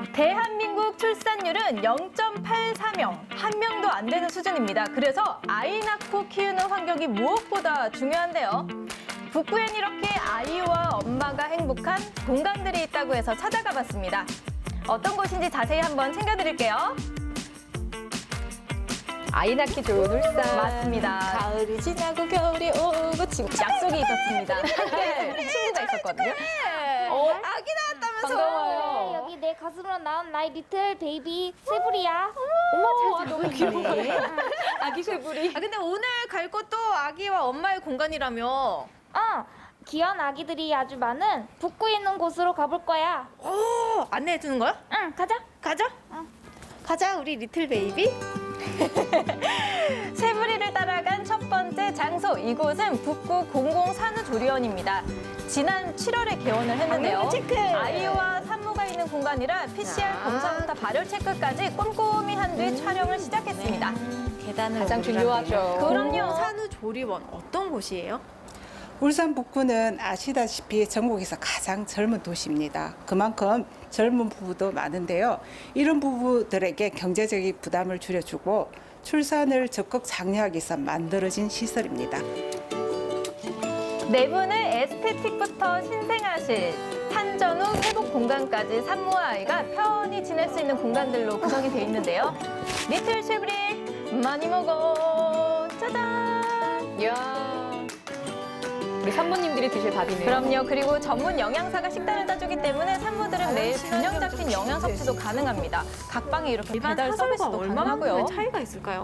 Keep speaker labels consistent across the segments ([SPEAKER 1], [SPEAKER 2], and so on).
[SPEAKER 1] 대한민국 출산율은 0.84명, 한 명도 안 되는 수준입니다. 그래서 아이 낳고 키우는 환경이 무엇보다 중요한데요. 북구엔 이렇게 아이와 엄마가 행복한 공간들이 있다고 해서 찾아가 봤습니다. 어떤 곳인지 자세히 한번 챙겨드릴게요.
[SPEAKER 2] 아이 낳기 좋은 울산.
[SPEAKER 1] 맞습니다.
[SPEAKER 2] 가을이 지나고 겨울이 오고 지금
[SPEAKER 1] 약속이 있었습니다. 함께 친구가 있었거든요.
[SPEAKER 2] 아기 낳았다면서. 반가워요.
[SPEAKER 3] 여기 내 가슴으로 나온 나의 리틀 베이비 세브리야.
[SPEAKER 2] 어머, 너무 귀여워. 아기 쇠부리.
[SPEAKER 4] 근데 오늘 갈 곳도 아기와 엄마의 공간이라며.
[SPEAKER 3] 귀여운 아기들이 아주 많은 북구에 있는 곳으로 가볼 거야.
[SPEAKER 4] 오, 안내해 주는 거야?
[SPEAKER 3] 응, 가자.
[SPEAKER 4] 가자. 가자, 우리 리틀 베이비.
[SPEAKER 1] 새부리를 따라간 첫 번째 장소, 이곳은 북구 공공산후조리원입니다. 지난 7월에 개원을 했는데요.
[SPEAKER 4] 체크.
[SPEAKER 1] 아이와 산모가 있는 공간이라 PCR 검사부터 발열 체크까지 꼼꼼히 한 뒤 촬영을 시작했습니다.
[SPEAKER 4] 계단을
[SPEAKER 2] 가장 중요하죠.
[SPEAKER 1] 그럼요.
[SPEAKER 4] 산후조리원 어떤 곳이에요?
[SPEAKER 5] 울산 북구는 아시다시피 전국에서 가장 젊은 도시입니다. 그만큼 젊은 부부도 많은데요. 이런 부부들에게 경제적인 부담을 줄여주고 출산을 적극 장려하기 위해서 만들어진 시설입니다.
[SPEAKER 1] 내부는 에스테틱부터 신생아실, 산전 후 회복 공간까지 산모와 아이가 편히 지낼 수 있는 공간들로 구성이 되어 있는데요. 리틀 쉐브리 많이 먹어. 짜잔!
[SPEAKER 2] 이야. 우리 산모님들이 드실 밥이네요.
[SPEAKER 1] 그럼요. 그리고 전문 영양사가 식단을 짜주기 때문에 산모들은 매일 균형 잡힌 영양 섭취도 가능합니다. 각 방에 이렇게
[SPEAKER 4] 일반
[SPEAKER 1] 배달
[SPEAKER 4] 사설과
[SPEAKER 1] 서비스도
[SPEAKER 4] 얼마나
[SPEAKER 1] 가능하고요.
[SPEAKER 4] 차이가 있을까요?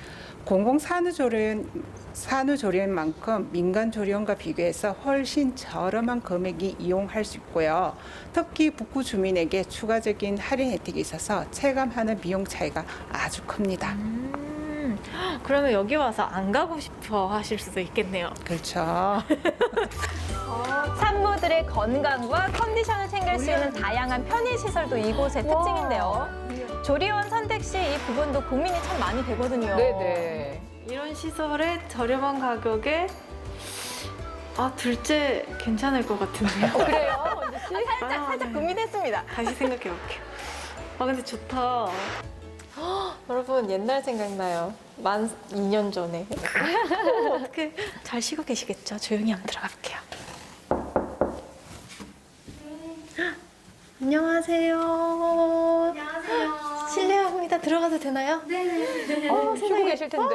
[SPEAKER 5] 산후조리원만큼 민간조리원과 비교해서 훨씬 저렴한 금액이 이용할 수 있고요. 특히 북구 주민에게 추가적인 할인 혜택이 있어서 체감하는 비용 차이가 아주 큽니다.
[SPEAKER 4] 그러면 여기 와서 안 가고 싶어 하실 수도 있겠네요.
[SPEAKER 5] 그렇죠.
[SPEAKER 1] 산모들의 건강과 컨디션을 챙길 수 있는 다양한 편의시설도 이곳의 특징인데요. 조리원 선택 시 이 부분도 고민이 참 많이 되거든요.
[SPEAKER 2] 네네.
[SPEAKER 4] 이런 시설에 저렴한 가격에 둘째 괜찮을 것 같은데요.
[SPEAKER 2] 그래요, 원지 씨?
[SPEAKER 1] 살짝 고민했습니다.
[SPEAKER 4] 다시 생각해 볼게요. 근데 좋다.
[SPEAKER 2] 여러분, 옛날 생각나요. 만 2년 전에.
[SPEAKER 4] 어떻게 잘 쉬고 계시겠죠? 조용히 한번 들어가 볼게요. 안녕하세요.
[SPEAKER 3] 안녕하세요.
[SPEAKER 4] 실례합니다. 들어가도 되나요?
[SPEAKER 3] 네네.
[SPEAKER 2] 쉬고 계실 텐데.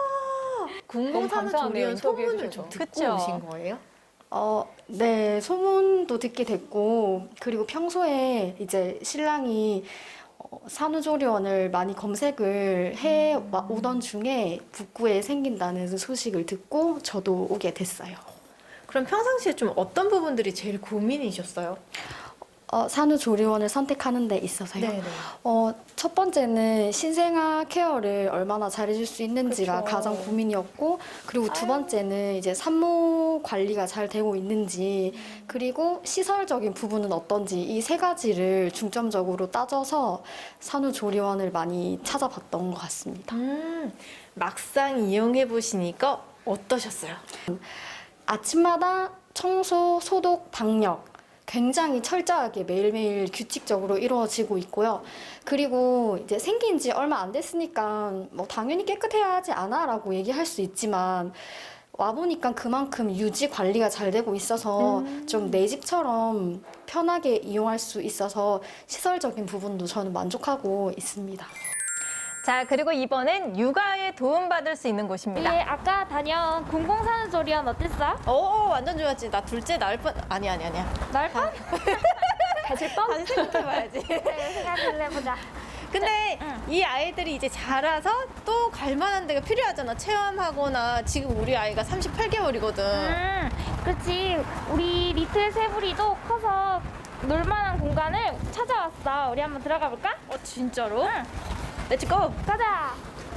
[SPEAKER 4] 공공산후조리원
[SPEAKER 2] 인터뷰해
[SPEAKER 4] 소문을
[SPEAKER 2] 주셔서.
[SPEAKER 4] 좀 듣고
[SPEAKER 1] 그쵸?
[SPEAKER 4] 오신 거예요?
[SPEAKER 6] 네, 소문도 듣게 됐고, 그리고 평소에 이제 신랑이 산후조리원을 많이 검색을 해 오던 중에 북구에 생긴다는 소식을 듣고 저도 오게 됐어요.
[SPEAKER 4] 그럼 평상시에 좀 어떤 부분들이 제일 고민이셨어요?
[SPEAKER 6] 산후조리원을 선택하는 데 있어서요.
[SPEAKER 4] 네네.
[SPEAKER 6] 첫 번째는 신생아 케어를 얼마나 잘해줄 수 있는지가
[SPEAKER 4] 그쵸.
[SPEAKER 6] 가장 고민이었고, 그리고 두 번째는 이제 산모 관리가 잘 되고 있는지, 그리고 시설적인 부분은 어떤지 이 세 가지를 중점적으로 따져서 산후조리원을 많이 찾아봤던 것 같습니다.
[SPEAKER 4] 막상 이용해 보시니까 어떠셨어요?
[SPEAKER 6] 아침마다 청소, 소독, 방역 굉장히 철저하게 매일매일 규칙적으로 이루어지고 있고요. 그리고 이제 생긴 지 얼마 안 됐으니까 뭐 당연히 깨끗해야 하지 않아 라고 얘기할 수 있지만 와보니까 그만큼 유지 관리가 잘 되고 있어서 좀 내 집처럼 편하게 이용할 수 있어서 시설적인 부분도 저는 만족하고 있습니다.
[SPEAKER 1] 자, 그리고 이번엔 육아에 도움받을 수 있는 곳입니다.
[SPEAKER 3] 우리 아까 다녀온 공공산후조리원 어땠어?
[SPEAKER 4] 완전 좋았지. 나 둘째 낳을 뻔. 아니야.
[SPEAKER 3] 날 뻔?
[SPEAKER 1] 가실 뻔?
[SPEAKER 4] 다시 생각해봐야지.
[SPEAKER 3] 생각을 해보자.
[SPEAKER 4] 근데 이 아이들이 이제 자라서 또 갈 만한 데가 필요하잖아. 체험하거나. 지금 우리 아이가 38개월이거든.
[SPEAKER 3] 그렇지. 우리 리틀 세브리도 커서 놀만한 공간을 찾아왔어. 우리 한번 들어가 볼까?
[SPEAKER 4] 진짜로?
[SPEAKER 3] 응.
[SPEAKER 4] 렛츠고!
[SPEAKER 3] 가자.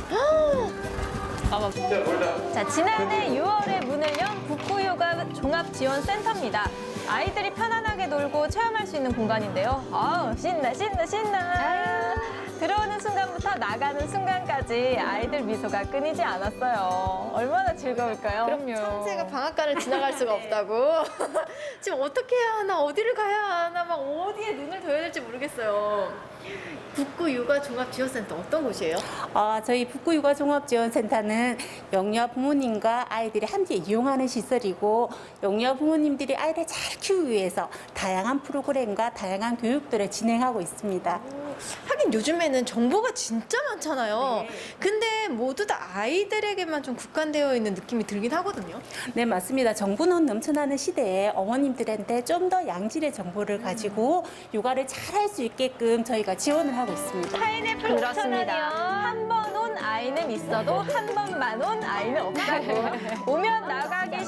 [SPEAKER 1] 자, 지난해 6월에 문을 연 북구요가 종합지원센터입니다. 아이들이 편안하게 놀고 체험할 수 있는 공간인데요. 신나. 들어오는 순간부터 나가는 순간까지 아이들 미소가 끊이지 않았어요. 얼마나 즐거울까요?
[SPEAKER 2] 그럼요.
[SPEAKER 4] 천재가 방앗간을 지나갈 수가 없다고. 지금 어떻게 해야 하나, 어디를 가야 하나, 막 어디에 눈을 둬야 될지 모르겠어요. 북구 육아 종합 지원센터 어떤 곳이에요?
[SPEAKER 7] 저희 북구육아종합지원센터는 영유아 부모님과 아이들이 함께 이용하는 시설이고 영유아 부모님들이 아이를 잘 키우기 위해서 다양한 프로그램과 다양한 교육들을 진행하고 있습니다.
[SPEAKER 4] 하긴 요즘에는 정보가 진짜 많잖아요. 근데 모두 다 아이들에게만 좀 국한되어 있는 느낌이 들긴 하거든요.
[SPEAKER 7] 네, 맞습니다. 정보는 넘쳐나는 시대에 어머님들한테 좀 더 양질의 정보를 가지고 육아를 잘 할 수 있게끔 저희가 지원을 하고 있습니다.
[SPEAKER 1] 파인애플 5,000원이요. 한 번 온 아이는 있어도 한 번만 온 아이는 없다고. 오면 나가기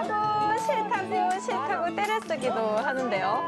[SPEAKER 1] 싫다고 때려 쓰기도 하는데요.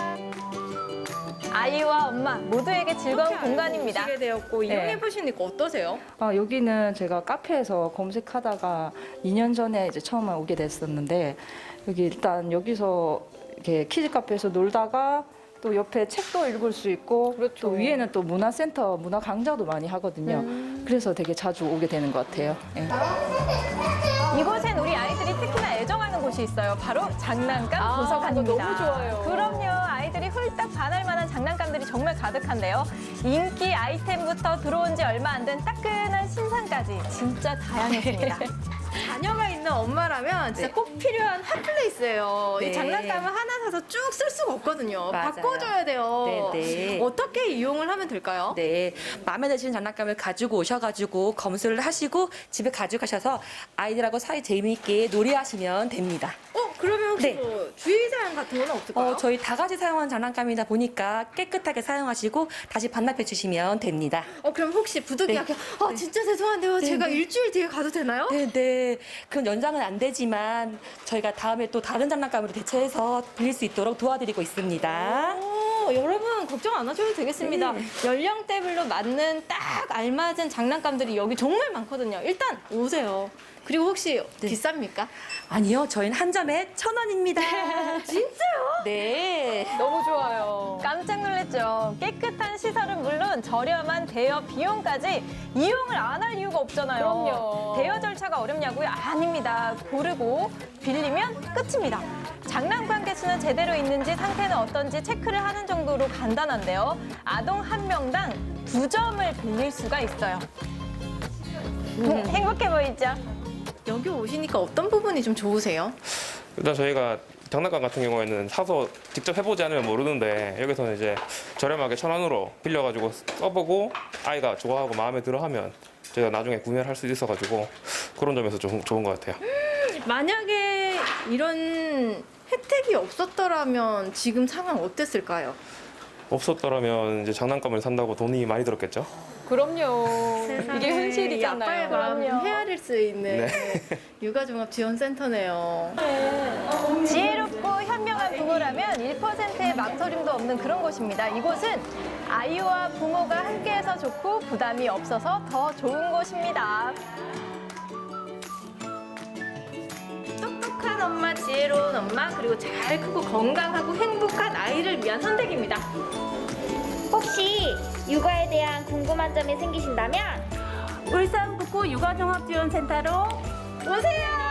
[SPEAKER 1] 아이와 엄마 모두에게 즐거운 공간입니다.
[SPEAKER 4] 오시게 되었고 이용해 보시니까 어떠세요?
[SPEAKER 8] 여기는 제가 카페에서 검색하다가 2년 전에 이제 처음 오게 됐었는데 여기 일단 여기서 이렇게 키즈 카페에서 놀다가 또 옆에 책도 읽을 수 있고
[SPEAKER 2] 그렇죠.
[SPEAKER 8] 또 위에는 또 문화센터 문화 강좌도 많이 하거든요. 그래서 되게 자주 오게 되는 것 같아요. 예.
[SPEAKER 1] 이곳엔 우리 아이들이 특히나 애정하는 곳이 있어요. 바로 장난감 도서관입니다.
[SPEAKER 2] 그거 너무 좋아요.
[SPEAKER 1] 그럼요. 아이들이 홀딱 반할 만한 장난감들이 정말 가득한데요. 인기 아이템부터 들어온 지 얼마 안 된 따끈한 신상까지 진짜 다양했습니다.
[SPEAKER 4] 자녀가 있는 엄마라면 진짜 꼭 필요한 핫플레이스예요. 이
[SPEAKER 7] 네.
[SPEAKER 4] 장난감을 하나 사서 쭉 쓸 수가 없거든요.
[SPEAKER 7] 맞아요.
[SPEAKER 4] 바꿔줘야 돼요.
[SPEAKER 7] 네.
[SPEAKER 4] 어떻게 이용을 하면 될까요?
[SPEAKER 9] 네, 마음에 드시는 장난감을 가지고 오셔가지고 검수를 하시고 집에 가져가셔서 아이들하고 사이 재미있게 놀이하시면 됩니다.
[SPEAKER 4] 그러면 혹시
[SPEAKER 9] 네.
[SPEAKER 4] 뭐 주의사항 같은 건 없을까요?
[SPEAKER 9] 저희 다 같이 사용하는 장난감이다 보니까 깨끗하게 사용하시고 다시 반납해 주시면 됩니다.
[SPEAKER 4] 그럼 혹시 부득이하게 진짜 죄송한데요. 제가 일주일 뒤에 가도 되나요?
[SPEAKER 9] 네. 그럼 연장은 안 되지만 저희가 다음에 또 다른 장난감으로 대체해서 빌릴 수 있도록 도와드리고 있습니다.
[SPEAKER 4] 여러분 걱정 안 하셔도 되겠습니다. 연령대별로 맞는 딱 알맞은 장난감들이 여기 정말 많거든요. 일단 오세요. 그리고 혹시 비쌉니까?
[SPEAKER 9] 아니요, 저희는 한 점에 1,000원입니다.
[SPEAKER 4] 진짜요?
[SPEAKER 9] 네.
[SPEAKER 2] 너무 좋아요.
[SPEAKER 1] 깜짝 놀랐죠. 깨끗한 시설은 물론 저렴한 대여 비용까지 이용을 안 할 이유가 없잖아요.
[SPEAKER 2] 그럼요.
[SPEAKER 1] 대여 절차가 어렵냐고요? 아닙니다. 고르고 빌리면 끝입니다. 장난감 개수는 제대로 있는지 상태는 어떤지 체크를 하는 정도로 간단한데요. 아동 한 명당 2점을 빌릴 수가 있어요. 행복해 보이죠?
[SPEAKER 4] 여기 오시니까 어떤 부분이 좀 좋으세요?
[SPEAKER 10] 일단 저희가 장난감 같은 경우에는 사서 직접 해보지 않으면 모르는데 여기서는 이제 저렴하게 1,000원으로 빌려가지고 써보고 아이가 좋아하고 마음에 들어하면 저희가 나중에 구매를 할 수 있어가지고 그런 점에서 좀 좋은 것 같아요.
[SPEAKER 4] 만약에 이런 혜택이 없었더라면 지금 상황 어땠을까요?
[SPEAKER 10] 없었더라면 이제 장난감을 산다고 돈이 많이 들었겠죠.
[SPEAKER 2] 그럼요. 이게 현실이잖아요.
[SPEAKER 4] 아빠의 마음
[SPEAKER 1] 그럼요.
[SPEAKER 4] 헤아릴 수 있는
[SPEAKER 10] 네.
[SPEAKER 4] 육아종합지원센터네요.
[SPEAKER 1] 지혜롭고 현명한 부모라면 1%의 망설임도 없는 그런 곳입니다. 이곳은 아이와 부모가 함께해서 좋고 부담이 없어서 더 좋은 곳입니다.
[SPEAKER 4] 똑똑한 엄마, 지혜로운 엄마, 그리고 잘 크고 건강하고 행복한 아이를 위한 선택입니다.
[SPEAKER 3] 혹시 육아에 대한 궁금한 점이 생기신다면
[SPEAKER 7] 울산 북구 육아종합지원센터로
[SPEAKER 4] 오세요!